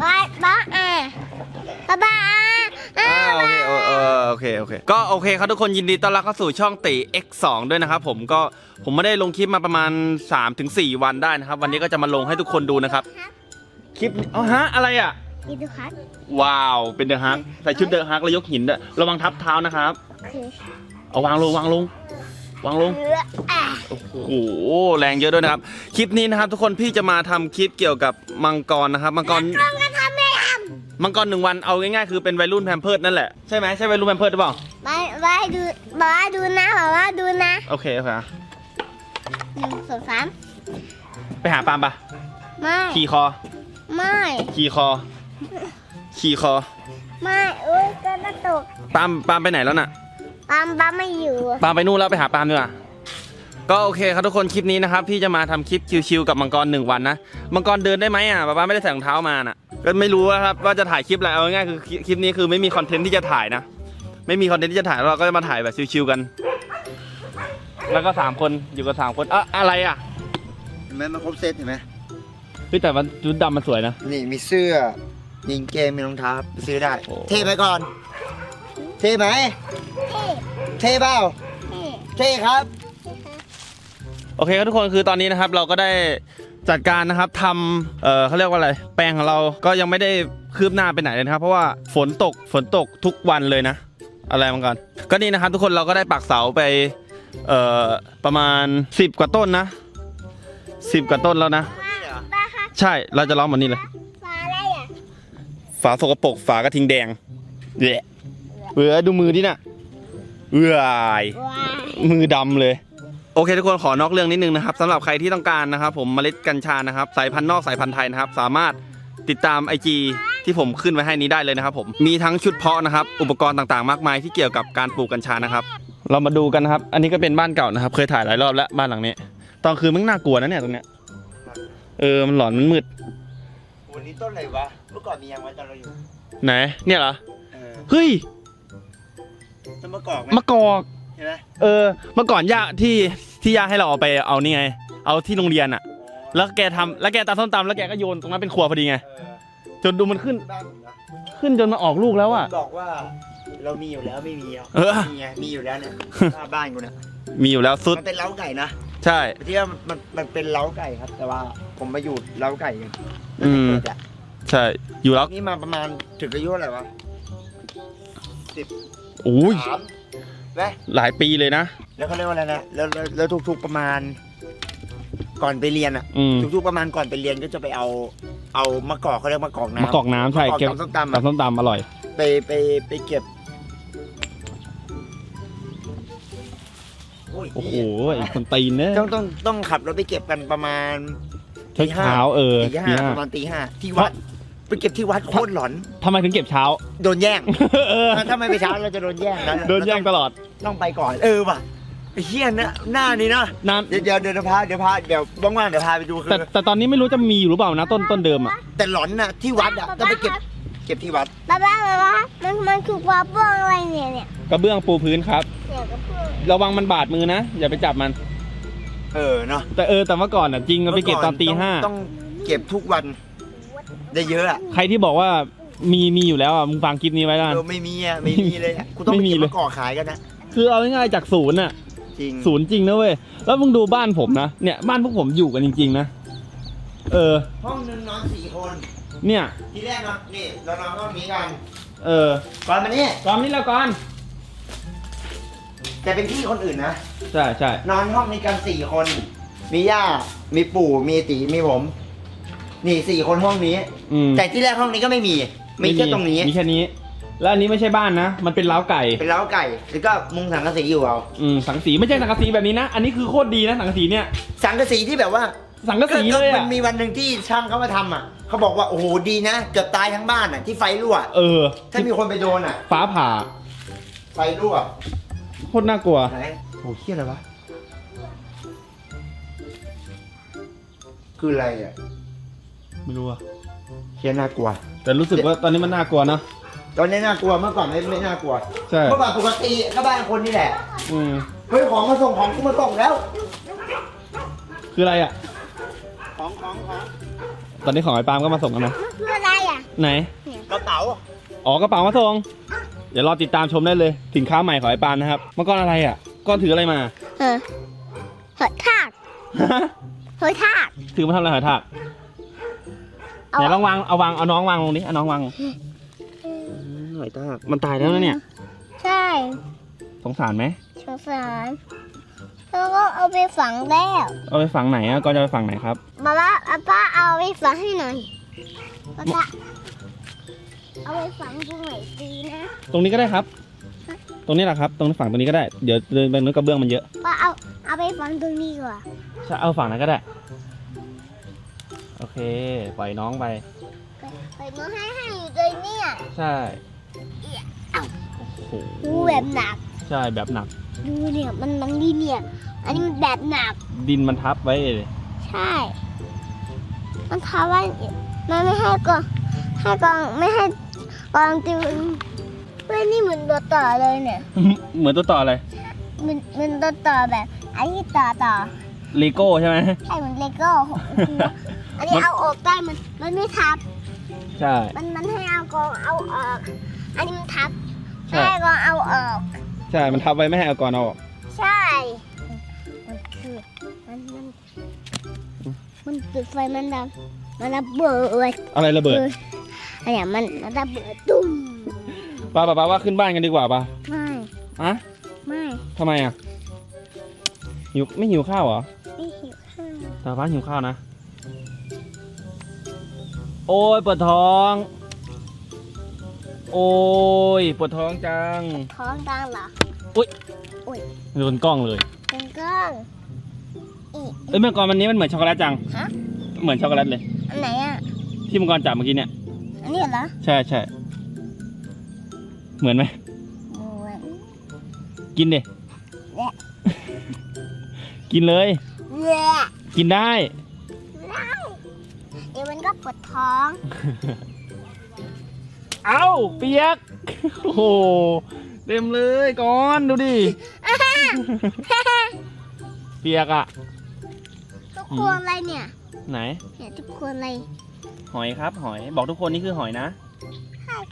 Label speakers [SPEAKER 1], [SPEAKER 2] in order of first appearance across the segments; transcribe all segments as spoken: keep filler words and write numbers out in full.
[SPEAKER 1] บ้าบ้าอ่ะบ้าบ้าอ่ะ
[SPEAKER 2] โอเคเออโอเคโอเคก็โอเคครับทุกคนยินดีต้อนรับเข้าสู่ช่องติ เอ็กซ์ สอง ด้วยนะครับผมก็ผมไม่ได้ลงคลิปมาประมาณ สามถึงสี่ วันได้นะครับวันนี้ก็จะมาลงให้ทุกคนดูนะครับคลิปอ๋อฮะอะไรอ่ะ
[SPEAKER 1] อีดูครับ
[SPEAKER 2] ว้าวเป็นเดอะฮักใส่ชุดเดอะฮักแล้วยกหินด้วยระวังทับเท้านะครับ
[SPEAKER 1] โอเค
[SPEAKER 2] เอาวางลงวางลงวางลง
[SPEAKER 1] เอออ่ะ
[SPEAKER 2] โอ้โหแรงเยอะด้วยนะครับคลิปนี้นะครับทุกคนพี่จะมาทำคลิปเกี่ยวกับมังกรนะครับมังกร
[SPEAKER 1] ลองกันทำไม่ท
[SPEAKER 2] มังกรหนึ่งวันเอาง่ายๆคือเป็นวัยรุ่นแพมเพิร์ดนั่นแหละใช่ไหมใช่วัยรุ่นแพมเพิร์ดหรือเปล่า
[SPEAKER 1] ำบ้าบ้าดูบ้าดูนะบ้าบ้าดูนะ
[SPEAKER 2] โอเคโอเค
[SPEAKER 1] หนึ่งสองสาม
[SPEAKER 2] ไปหาปาล์มปะ
[SPEAKER 1] ไม่
[SPEAKER 2] ขี่คอ
[SPEAKER 1] ไม่
[SPEAKER 2] ขี่คอขี่คอ
[SPEAKER 1] ไม่อุ้ยกระตุก
[SPEAKER 2] ปาล์มปาล์มไปไหนแล้วน่ะ
[SPEAKER 1] ปั๊มปั๊มไม่อยู่
[SPEAKER 2] ปาล์มไปนู่นแล้วไปหาปาล์มดีกว่าก็โอเคครับทุกคนคลิปนี้นะครับพี่จะมาทำคลิปชิวๆกับมังกรหนึ่งวันนะมังกรเดินได้ไหมอ่ะป้าไม่ได้ใส่รองเท้ามาน่ะก็ไม่รู้ครับว่าจะถ่ายคลิปอะไรเอาง่ายๆคือคลิปนี้คือไม่มีคอนเทนต์ที่จะถ่ายนะไม่มีคอนเทนต์ที่จะถ่ายเราก็จะมาถ่ายแบบชิวๆกัน แล้วก็สามคนอยู่กับสามคนอะอะไรอ่ะ
[SPEAKER 3] เห็นไหมมันครบเซตเห็นไหม
[SPEAKER 2] เฮ้ยแต่มันชุดดำมันสวยนะ
[SPEAKER 3] นี่มีเสื้อยิงเกมมีรองเท้าไปซื้อได้
[SPEAKER 2] โอ้
[SPEAKER 3] เท่ไปก่อน เท่ไหม
[SPEAKER 1] เท่
[SPEAKER 3] เท่เปล่า
[SPEAKER 1] เท่
[SPEAKER 3] เท่ครับ
[SPEAKER 2] โอเคครับทุกคนคือตอนนี้นะครับเราก็ได้จัดการนะครับทำเออเขาเรียกว่าอะไรแปลงของเราก็ยังไม่ได้คืบหน้าไปไหนเลยนะครับเพราะว่าฝนตกฝนตกทุกวันเลยนะอะไรมังกรก็นี่นะครับทุกคนเราก็ได้ปักเสาไปเอ่อประมาณสิบกว่าต้นนะสิบกว่าต้นแล้วนะ
[SPEAKER 1] บ้าค่ะ
[SPEAKER 2] ใช่เราจะล้อมหมดนี่เลย
[SPEAKER 1] ฟ้าอะไรอ่ะ
[SPEAKER 2] ฝาสกปรกฝากระทิงแดงเละเบื่อดูมือดิน่ะเอื่อย
[SPEAKER 1] ว้า
[SPEAKER 2] มือดำเลยโอเคทุกคนขอนอกเรื่องนิดนึงนะครับสำหรับใครที่ต้องการนะครับผมเมล็ดกัญชานะครับสายพันธุ์นอกสายพันธุ์ไทยนะครับสามารถติดตาม ไอ จี ที่ผมขึ้นไว้ให้นี้ได้เลยนะครับผมมีทั้งชุดเพาะนะครับอุปกรณ์ต่างๆมากมายที่เกี่ยวกับการปลูกกัญชานะครับเรามาดูกันนะครับอันนี้ก็เป็นบ้านเก่านะครับเคยถ่ายหลายรอบแล้วบ้านหลังนี้ตอนคืนมันน่ากลัวนะเนี่ยตรงเนี้ยเออมันหลอนมันมืด
[SPEAKER 3] วันนี้ต้นอะไรวะ เมื่อก่อนมียังไว้ตอนเราอยู่
[SPEAKER 2] ไหนเนี่ยเหรอ
[SPEAKER 3] เออ
[SPEAKER 2] เฮ้ย
[SPEAKER 3] ต้นมะกอกไหม
[SPEAKER 2] มะกอก
[SPEAKER 3] เห็นไหม
[SPEAKER 2] เออเมื่อก่อนย่าที่ที่ย่าให้เราเอาไปเอานี่ไงเอาที่โรงเรียนอะแล้วแกทำแล้วแกตำส้มตำแล้วแกก็โยนตรงนั้นเป็นครัวพอดีไง
[SPEAKER 3] เออ
[SPEAKER 2] จนดูมันขึ้น
[SPEAKER 3] บ้านผมนะ
[SPEAKER 2] ขึ้นจนมาออกลูกแล้วอะ
[SPEAKER 3] บอกว่าเรามีอยู่แล้วไม่มีอ่ะ
[SPEAKER 2] เออ
[SPEAKER 3] มีไงมีอยู่แล้วเนี่ยหน้าบ้านกูเนี่ย
[SPEAKER 2] มีอยู่แล้วสุด
[SPEAKER 3] มันเป็นเล้าไก่นะ
[SPEAKER 2] ใช่
[SPEAKER 3] ที่ว่ามันมันเป็นเล้าไก่ครับ แต่ว่าผมมาอยู่เล้าไก่กัน
[SPEAKER 2] อืม
[SPEAKER 3] ตั้งแต่เกิดอะ
[SPEAKER 2] ใช่อยู่แล้ว
[SPEAKER 3] นี่มาประมาณถึงอายุอะไรวะสิบ
[SPEAKER 2] โอ้ย
[SPEAKER 3] สามไหม
[SPEAKER 2] หลายปีเลยนะ
[SPEAKER 3] แล้วเขาเรียกว่าอะไรนะแล้วแล้วแล้วทุกๆประมาณ ก่อนไปเรียนอ่ะ
[SPEAKER 2] อืม
[SPEAKER 3] ทุกๆประมาณก่อนไปเรียนก็จะไปเอา เอามะกอกเขาเรียกมะกอกน้ำ
[SPEAKER 2] มะกอกน้ำใช่
[SPEAKER 3] มะกอก
[SPEAKER 2] เก็บ
[SPEAKER 3] ตำส้มตำอะ
[SPEAKER 2] ตำส้มตำอร่อย
[SPEAKER 3] ไปไปไปเก็บโอ้ย
[SPEAKER 2] โอ้โหไอ้คนตีนเนี่ย
[SPEAKER 3] ต้องต้องต้องขับรถไปเก็บกันประมาณ
[SPEAKER 2] เช้าเช้าเออ
[SPEAKER 3] ตี
[SPEAKER 2] ตี
[SPEAKER 3] ห้า
[SPEAKER 2] ห้า
[SPEAKER 3] ประมาณตีห้าที่วัดไปเก็บที่วัดโคตรหลอน
[SPEAKER 2] ทำไมถึงเก็บเช้า
[SPEAKER 3] โดนแย่ง
[SPEAKER 2] เออ
[SPEAKER 3] ถ้าไม่ไปเช้าเราจะโดนแย่งนะ
[SPEAKER 2] โดนแย่งตลอด
[SPEAKER 3] ต้องไปก่อน เออว่ะไอ้เฮี้ยนะหน้านี้นะ
[SPEAKER 2] นาน
[SPEAKER 3] เดี๋ยวเดี๋ยวเดี๋ยวพาเดี๋ยวพาเดี๋ยวว่างๆเดี๋ยวพาไปดูคื
[SPEAKER 2] แต่
[SPEAKER 3] อ
[SPEAKER 2] แต่ตอนนี้ไม่รู้จะมีอยู่หรือเปล่านะต้นต้นเดิมอ่ะ
[SPEAKER 3] แต่หลอนน่ะที่วัดอ่ะต้องไปเก็บเก็บที่วัด
[SPEAKER 1] บ้าบ้าบ้าบ้ามันมันคือปลาเบื้องอะไรเนี่ยเนี่ย
[SPEAKER 2] กระเบื้องปูพื้นครับ
[SPEAKER 1] เนี่ยกระเบื้อง
[SPEAKER 2] ระวังมันบาดมือนะอย่าไปจับมัน
[SPEAKER 3] เออเนาะ
[SPEAKER 2] แต่เออแต่เมื่อก่อนอ่ะจริงเราไปเก็บตอนตีห้า
[SPEAKER 3] ต้องเก็บทุกวันได้เยอะอ่ะ
[SPEAKER 2] ใครที่บอกว่ามีมีอยู่แล้วอ่ะมึงฟังคลิปนี้ไว้แล้วกัน
[SPEAKER 3] เออไม่มีอ่ะไม่มีเลยอะกูต้อง
[SPEAKER 2] ไม่
[SPEAKER 3] ไป
[SPEAKER 2] มี
[SPEAKER 3] เก็บ
[SPEAKER 2] เลย
[SPEAKER 3] มะกอกขายกันนะ
[SPEAKER 2] คือเอาง่ายๆจากศูนย์อ่ะ
[SPEAKER 3] จริง
[SPEAKER 2] ศูนย์จริงนะเว้ยแล้วมึงดูบ้านผมนะเนี่ยบ้านพวกผมอยู่กันจริงๆนะเออ
[SPEAKER 3] ห้องนึงนอนสี่คน
[SPEAKER 2] เนี่ย
[SPEAKER 3] ทีแรกนอนนี่เรานอนห้องนี้กัน
[SPEAKER 2] เออ
[SPEAKER 3] ก่อนมานี่
[SPEAKER 2] ตอนนี้แล้วก่อน
[SPEAKER 3] แต่เป็นที่คนอื่นนะ
[SPEAKER 2] ใช่ใช่
[SPEAKER 3] นอนห้องนี้กันสี่คน มีย่า มีปู่ มีตีมีผม นี่สี่คนห้องนี้
[SPEAKER 2] อืม
[SPEAKER 3] แต่ที่แรกห้องนี้ก็ไม่มี มีแค่ตรงนี้
[SPEAKER 2] มีแค่นี้ แล้วอันนี้ไม่ใช่บ้านนะมันเป็นเล้าไก่
[SPEAKER 3] เป็นเล้าไก่ แล้วก็มุงสังกะสีอยู่เอา
[SPEAKER 2] อืมสังสีไม่ใช่สังกะสีแบบนี้นะ อันนี้คือโคตรดีนะสังกะสีเนี่ย
[SPEAKER 3] สังกะสีที่แบบว่า
[SPEAKER 2] สังกะสีเลย
[SPEAKER 3] มั
[SPEAKER 2] อ่ะ
[SPEAKER 3] นมีวันหนึ่งที่ช่างเขามาทำอ่ะ เขาบอกว่าโอ้โหดีนะ เกือบตายทั้งบ้านอ่ะที่ไฟรั่ว
[SPEAKER 2] เออ
[SPEAKER 3] ถ้ามีคนไปโดนอ่ะ
[SPEAKER 2] ฟ้าผ่า
[SPEAKER 3] ไฟรั่ว
[SPEAKER 2] โคตรน่ากลัว
[SPEAKER 3] ไหนโอ้เฮี้ยอะไรวะ คืออะไรอ่ะ
[SPEAKER 2] ไม่รู้อะ
[SPEAKER 3] เฮี้ยน่ากลัว
[SPEAKER 2] แต่รู้สึกว่าตอนนี้มันน่ากลัวนะ
[SPEAKER 3] ตอนนี้น่ากลัว เมื่อก่อนไม่ไม่น่ากลัว
[SPEAKER 2] ใช่
[SPEAKER 3] เมื่อก่อนปกติก็บ้านคนนี่แหละ
[SPEAKER 2] อืม
[SPEAKER 3] เฮ้ยของมาส่งของกูมาส่งแล้ว
[SPEAKER 2] คืออะไรอ่ะ
[SPEAKER 3] ของของของ
[SPEAKER 2] ตอนนี้ของไอ้ปาล์มก็มาส่งแล้วนะ
[SPEAKER 1] มันคืออะไรอ่ะ
[SPEAKER 2] ไหน
[SPEAKER 3] กระเป๋า
[SPEAKER 2] อ๋อกระเป๋ามาส่งเดี๋ยวรอติดตามชมได้เลยสินค้าใหม่ของไอ้ปานนะครับเมื่อก่อนอะไรอ่ะก้อนถืออะไรมา
[SPEAKER 1] เออหอยทากหอยทาก
[SPEAKER 2] ถือมาทำอะไรหอยทาก
[SPEAKER 1] เอา
[SPEAKER 2] ไหนลองวางเอาวางเอาน้องวางลงดิเอาน้องวางหอยทากมันตายแล้วนะเนี่ย
[SPEAKER 1] ใช่
[SPEAKER 2] สงสารไหม
[SPEAKER 1] สงสารแล้วก็เอาไปฝังแล้ว
[SPEAKER 2] เอาไปฝังไหนอ่ะก็จะไปฝังไหนครับ
[SPEAKER 1] มาว่าป้าเอาไปฝังให้หน่อยป้าเอาไปฝังตรงไหนดีนะ
[SPEAKER 2] ตรงนี้ก็ได้ครับ ตรงนี้แหละครับ ตรงฝั่งตรงนี้ก็ได้ เดี๋ยวเดินไปนู้นกระเบื้องมันเยอะ
[SPEAKER 1] ป้าเอาเอาไปฝังตรงนี้ก่อน
[SPEAKER 2] ใช่เอาฝั่งนั้นก็ได้ โอเค ปล่อยน้องไป
[SPEAKER 1] ไปมาให้ให้อยู่เลยเนี่ย
[SPEAKER 2] ใช่โอ้โห
[SPEAKER 1] ดูแบบหนัก
[SPEAKER 2] ใช่แบบหนัก
[SPEAKER 1] ดูเนี่ยมันมันดีเนี่ย อันนี้มันแบบหนัก
[SPEAKER 2] ดินมันทับไว้เลย
[SPEAKER 1] ใช่ มันทำว่ามันไม่ให้กองให้กองไม่ให้กองติวเฮ้ยนี่เหมือนตัวต่อเลยเนี่ย
[SPEAKER 2] เหมือนตัวต่ออะไร
[SPEAKER 1] มันมันตัวต่อแบบอันนี้ต่อต่อ
[SPEAKER 2] เลโก้ใช่ไหม
[SPEAKER 1] ใช่เหมือนเลโก้ของหัวอันนี้
[SPEAKER 2] มัน
[SPEAKER 1] เอาออกได้มันมันไม่ทับ
[SPEAKER 2] ใช่
[SPEAKER 1] มันมันให้เอากองเอาออก อันนี้มันทับ
[SPEAKER 2] ใช่
[SPEAKER 1] ให้กองเอาออก
[SPEAKER 2] ใช่ มันทับไว้ไม่ให้เอาก่อนเอาออก
[SPEAKER 1] ใช่ มันคือมันมันมันจุดไฟมันดับมันระเบิด
[SPEAKER 2] อะไรระเบิด
[SPEAKER 1] อันเนี้ยมันมันระเบิดตุ้ม
[SPEAKER 2] ป้าป้าป้าว่าขึ้นบ้านกันดีกว่าป่ะ
[SPEAKER 1] ไม่
[SPEAKER 2] อะ
[SPEAKER 1] ไม่
[SPEAKER 2] ทำไมอ่ะ หิวไม่หิวข้าวเหรอ
[SPEAKER 1] ไม่หิวข้าว
[SPEAKER 2] ตาป้าหิวข้าวนะ โอ้ยปวดท้อง โอ้ยปวดท้องจัง
[SPEAKER 1] ท้องดังเหรอ
[SPEAKER 2] โดนกล้องเลย
[SPEAKER 1] เป็นก้องอีก
[SPEAKER 2] เอ้ยเมื่อก่อนวันนี้มันเหมือนช็อกโกแลตจัง
[SPEAKER 1] ฮะ
[SPEAKER 2] เหมือนช็อกโกแลตเลย
[SPEAKER 1] อันไหนอ่ะ
[SPEAKER 2] ที่มังกรจับเมื่อกี้เนี่ย
[SPEAKER 1] อันนี้เหรอ
[SPEAKER 2] ใช่ใช่เหมือนไหม
[SPEAKER 1] เหมือน
[SPEAKER 2] กินดิ
[SPEAKER 1] แหละ
[SPEAKER 2] กินเลย
[SPEAKER 1] แหละ
[SPEAKER 2] กินได้
[SPEAKER 1] ได้เดี๋ยวมันก็ปวดท้อง
[SPEAKER 2] เอ้าเปียก โอ้โหเต็มเลยก่อนดูดิ เปียกอะ
[SPEAKER 1] ทุกคนอะไรเนี่ย
[SPEAKER 2] ไหน
[SPEAKER 1] เนี่ยทุกคนอะไร
[SPEAKER 2] หอยครับ หอย บอกทุกคนนี่คือหอยนะ
[SPEAKER 1] หาย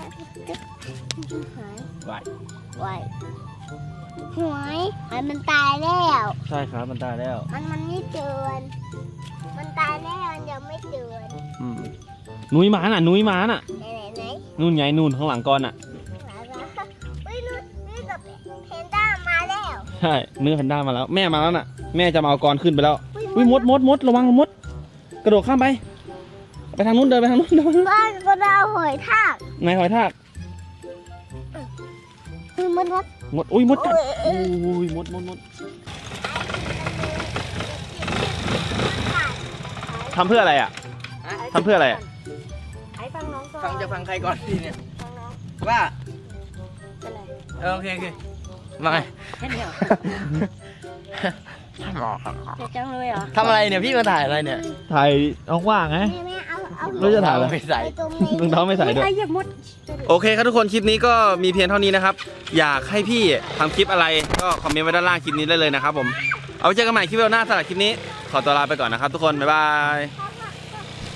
[SPEAKER 2] ไหวาย
[SPEAKER 1] ไหวหวยหอยมันตายแล้ว
[SPEAKER 2] ใช่ครับมันตายแล้ว
[SPEAKER 1] มันมันไม่เตือนมันตายแล้วมันยังไม่เตือน
[SPEAKER 2] อืมนุ้ยหมาน่ะ นุ้ยหมาน่ะ
[SPEAKER 1] ไหนไหนไหน
[SPEAKER 2] นู่นไงนู่นข้างหลังก่อนน่ะ
[SPEAKER 1] หมาละเฮ้ยนู่นนี่กับเพนด้ามาแล้ว
[SPEAKER 2] ใช่เนื้อแพนด้ามาแล้ว แม่มาแล้วน่ะ แม่จะมาเอากรขึ้นไปแล้วอุ้ยมดมดมดระวังมด กระโดดข้ามไป ไปทางนู้นเดินไปทางนู้นเดินไปทางนู้น
[SPEAKER 1] บ้านก็ดาวหอยทาก
[SPEAKER 2] ไหนหอยทาก
[SPEAKER 1] คือมันวัด
[SPEAKER 2] มด อุ้ยมดกัด
[SPEAKER 1] โอ้ย
[SPEAKER 2] อุ้ยมดมดมดทำเพื่ออะไรอ่ะทำเพื่ออะไรอ่ะ
[SPEAKER 1] ไอ้ฟังน้องก่อน
[SPEAKER 3] ฟังจะฟังใครก่อนพี่เนี่ย
[SPEAKER 1] ฟังน้อง
[SPEAKER 3] ว่า
[SPEAKER 1] เป็นไร
[SPEAKER 3] เออโอเคโอเคมาไง
[SPEAKER 1] แค่นี้เหรอ
[SPEAKER 3] หมอครับ
[SPEAKER 1] เจ็บจังเลยเหรอ
[SPEAKER 3] ทำอะไรเนี่ยพี่มาถ่ายอะไรเนี่ย
[SPEAKER 2] ถ่ายน้องว่างไง
[SPEAKER 1] แม่แม่เอาเอา
[SPEAKER 2] เราจะถ่ายอะไร
[SPEAKER 3] ไม่ใส่
[SPEAKER 1] ไปตรงนี้
[SPEAKER 2] รองเท้าไม่ใส่ด้วย
[SPEAKER 1] ใครเหยียบมด
[SPEAKER 2] โอเคครับทุกคนคลิปนี้ก็มีเพียงเท่านี้นะครับ อยากให้พี่ทำคลิปอะไรก็คอมเมนต์ไว้ด้านล่างคลิปนี้ได้เลยนะครับผม เอาไว้เจอกันใหม่คลิปวิดีโอหน้าสำหรับคลิปนี้ ขอตัวลาไปก่อนนะครับทุกคน บ๊ายบาย